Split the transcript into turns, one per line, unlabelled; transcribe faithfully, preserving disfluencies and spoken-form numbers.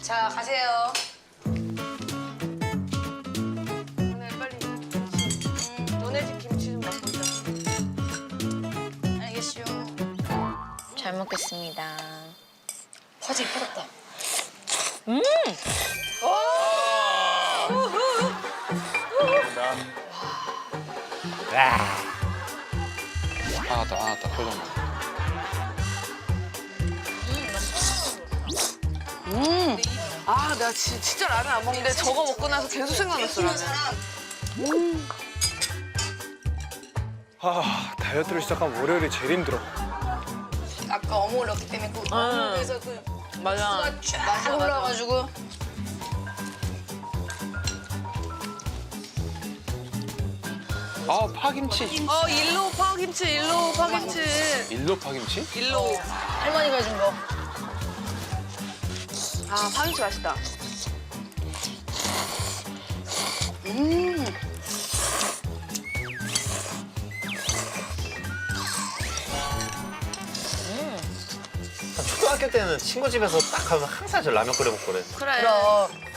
자, 가세요.
오늘 빨리 음, 너네 집 김치 좀 맛보자.
알겠슈.
잘 먹겠습니다.
화제 이쁘다.
아다 아다 표정 봐.
아, 내가 지, 진짜 라면 안 먹는데 저거 먹고 나서 계속 생각났어, 라면.
아, 다이어트를 시작하면 월요일이 제일 힘들어.
아까 어묵을 넣기 때문에 그 어묵에서 그
맞아.
수가 쫙 올라와가지고.
아 파김치.
어, 일로 파김치, 일로 파김치.
일로 파김치?
일로.
할머니가 준 거.
아, 파김치 맛있다.
초등학교 때는 친구 집에서 딱 가면 항상 저 라면 끓여 먹거든.
그래.
그럼.